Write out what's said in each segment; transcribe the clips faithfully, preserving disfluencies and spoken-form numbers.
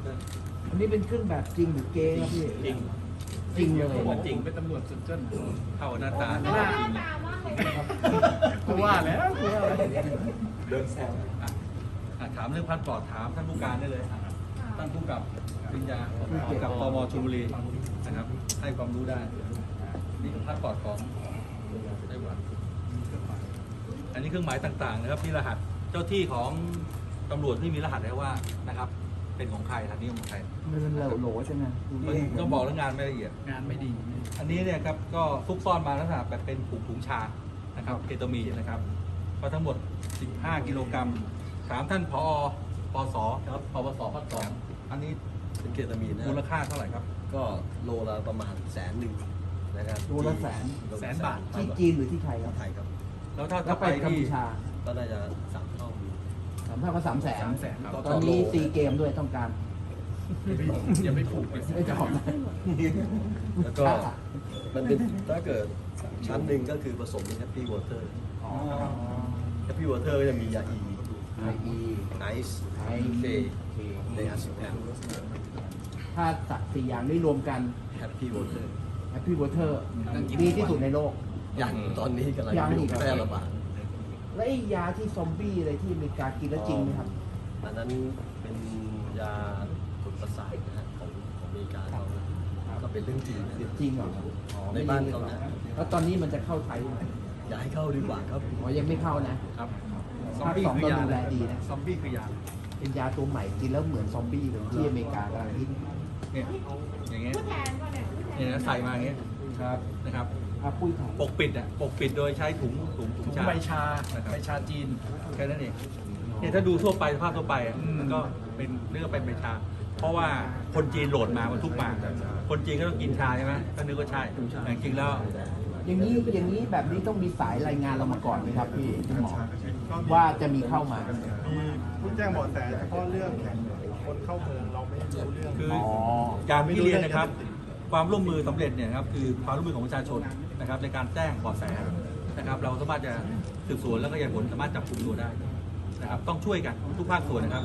อันนี้เป็นเครื่องแบบจริงหรือเก๊ครับพี่จริงจริงเลยผมจริงเป็นตำรวจสุดจนเข้าหน้าตาหน้าตามากเลยกูว่าแล้วกูว่าแล้วเดินแซวอ่ะอ่ะถามเรื่องพันปลอดถามท่านผู้การได้เลยอ่ะท่านผู้กับปริญญากับตมชลบุรีนะครับให้ความรู้ได้นี่คือพันปลอดของไต้หวันอันนี้เครื่องหมายต่างๆนะครับที่รหัสเจ้าที่ของตำรวจที่มีรหัสแล้วว่านะครับเป็นของใครทันนี้ของใครมันเป็นโหลๆใช่ไหมต้องบอกเรื่องงานไม่ละเอียดงานไม่ดีอันนี้เนี่ยครับก็ซุกซ่อนมาลักษณะแบบเป็นถุงถุงชานะครับเคตามีนนะครับก็ทั้งหมดสิบห้ากิโลกรัมถามท่านผอปสครับปปสภาคสองอันนี้เป็นเคตามีนนะมูลค่าเท่าไหร่ครับก็โลละประมาณแสนหนึ่งนะครับโลละแสนโลละแสนบาทที่จีนหรือที่ไทยครับไทยครับแล้วถ้าแล้ถ้าวไปไปกัมที่พูชาก็น่าจะสามเท่าสามพันก็สามแสนสามแสนครับตอนนี้ซีเกมด้วยต้องการอย่าไปผูกไปไม่จะขอบนะแล้วก็มันเป็นถ้าเกิดชั้นหนึ่งก็คือผสมเป็นแฮปปี้วอเตอร์อ๋อแฮปปี้วอเตอร์ก็จะมียาอีไออีไนซ์ไอเคเคในอาซิแพนถ้าสักสี่อย่างนี้รวมกันแฮปปี้วอเตอร์แฮปปี้วอเตอร์ดีที่สุดในโลกอย่างตอนนี้กำลังยังอีกเหรอแพร่ระบาดและไอ้ยาที่ซอมบี้อะไรที่อเมริกากินแล้วจริงไหมครับอันนั้นเป็นยากดประสาทนะฮะของของอเมริกาเขาก็เป็นเรื่องจริงนะจริงเหรออ๋อในบ้านเขานะแล้วตอนนี้มันจะเข้าไทยไหมอย่าให้เข้าดีกว่าครับอ๋อยังไม่เข้านะครับซอมบี้ภาคสองคือยาเราดูแลดีนะซอมบี้คือยาเป็นยาตัวใหม่กินแล้วเหมือนซอมบี้เลยที่อเมริกากำลังฮิตเนี่ยอย่างเงี้ยผู้แทนก่อนเนี่ยเนี่ยนะใส่มาอย่างเงี้ยครับนะครับอาปุ้ยถ่ายปกปิดอ่ะปกปิดโดยใช้ถุงถุงถุงชาใบชานะครับใบชาจีนแค่นั้นเองเนี่ยถ้าดูทั่วไปสภาพทั่วไปอ่ะมันก็เป็นเรื่องเป็นใบชา เพราะว่าคนจีนโหลดมามันทุกมา คนจีนก็ต้องกินชาใช่ไหมก็นึกว่าใช่แต่จริงๆแล้วอย่างนี้อย่างนี้แบบนี้ต้องมีสายรายงานเรามาก่อนไหมครับพี่คุณหมอว่าจะมีเข้ามามีผู้แจ้งเบาะแสเฉพาะเรื่องคนเข้าเมืองเราไม่รู้เรื่องคืออ๋อการที่เรียนนะครับ ความร่วมมือสำเร็จเนี่ยครับคือความร่วมมือของประชาชนนะครับในการแจ้งเบาะแสนะครับ เราสามารถจะสืบสวนแล้วก็ขยายผลสามารถจับกลุ่มตัวได้นะครับ ต้องช่วยกันทุกภาคส่วนนะครับ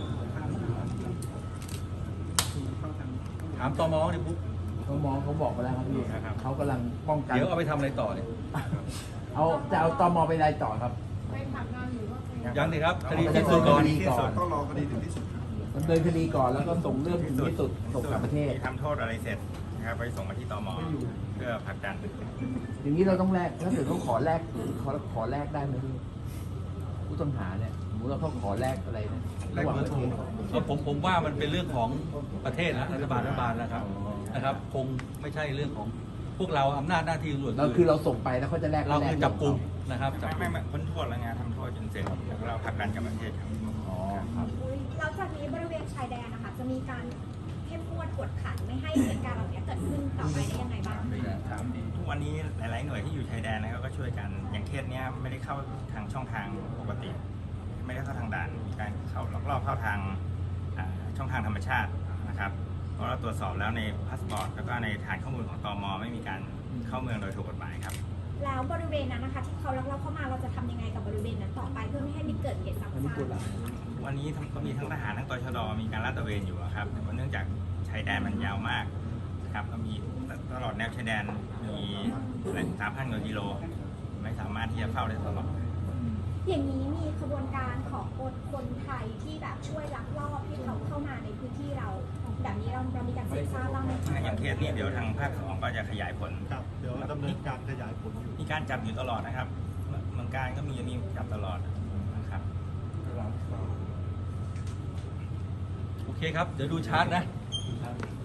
ถามตมเนี่ยปุ๊บเขามองเขาบอกไปแล้วครับพี่เขากำลังป้องกันเดี๋ยวเอาไปทำอะไรต่อเนี่ยเอาจะเอาตมไปอะไรต่อครับไปทำงานหรือว่าไปยังเลยครับคดีที่สุดก่อนที่สุดต้องรอคดีถึงที่สุดครับดำเนินคดีก่อนแล้วก็ส่งเรื่องถึงที่สุดส่งกลับประเทศที่ทำโทษอะไรเสร็จนะครับไปส่งมาที่ตมเพื่อผลักดันอย่างนี้เราต้องแลกถ้าเกิดเขาขอแลกขอขอแลกได้ไหมพี่ผู้ต้องหาเนี่ยสมมติว่าเขาขอแลกอะไรเนี่ยระหว่างประเทศก็ผมผมว่ามันเป็นเรื่องของประเทศนะรัฐบาลรัฐบาลนะครับนะครับ คงไม่ใช่เรื่องของพวกเราอำนาจหน้าที่ตำรวจเราคือเราส่งไปแล้วเขาจะแลกเราแลคืกอจับกลุ่มนะครับจับไม่กลุ่ไม่มไม่พ้นโทษแล้วไงทำโทษจนเสร็จแล้วเราผลักดันกลับประเทศครับอ๋อครับแล้วจากนี้บริเวณชายแดนนะคะจะมีการเข้มงวดกวดขันไม่ให้เหตุการณ์เหล่านี้เกิดขึ้นต่อไปได้ยังไงบ้างทุกวันนี้หลาย ๆ หน่วยที่อยู่ชายแดนนะครับก็ช่วยกันอย่างเคสเนี้ยไม่ได้เข้าทางช่องทางปกติ ไม่ได้เข้าทางด่านมีการเข้าลักลอบเข้าทางอ่าช่องทางธรรมชาตินะครับเพราะเราตรวจสอบแล้วในพาสปอร์ตแล้วก็ในฐานข้อมูลของตมไม่มีการเข้าเมืองโดยถูกกฎหมายครับแล้วบริเวณนั้นนะคะที่เขาลักลอบเข้ามาเราจะทำยังไงกับบริเวณนั้นต่อไปเพื่อไม่ให้มีเกิดเหตุซ้ำอันนี้ซาพูดกละวันนี้ทั้งก็มีทั้งทหารทั้งตชดมีการลาดตระเวนอยู่อะครับแต่ว่าเนื่องจากชายแดนมันยาวมากนะครับก็มีตลอดแนวชายแดนมีสามพันกว่ากิโลไม่สามารถที่จะเฝ้าได้ตลอดอย่างนี้มีขบวนการของคนไทยที่แบบช่วยลักลอบให้เขาเข้ามาในพื้นที่เราแบบนี้เราเรามีการสืบทราบบ้างไหมคะอย่างเคสนี้เดี๋ยวทางภาคสองก็จะขยายผลครับเดี๋ยวดำเนินการขยายผลอยู่มีการจับอยู่ตลอดนะครับเมืองการก็มีมีจับตลอดนะครับโอเคครับ เดี๋ยวดูชาร์ตนะ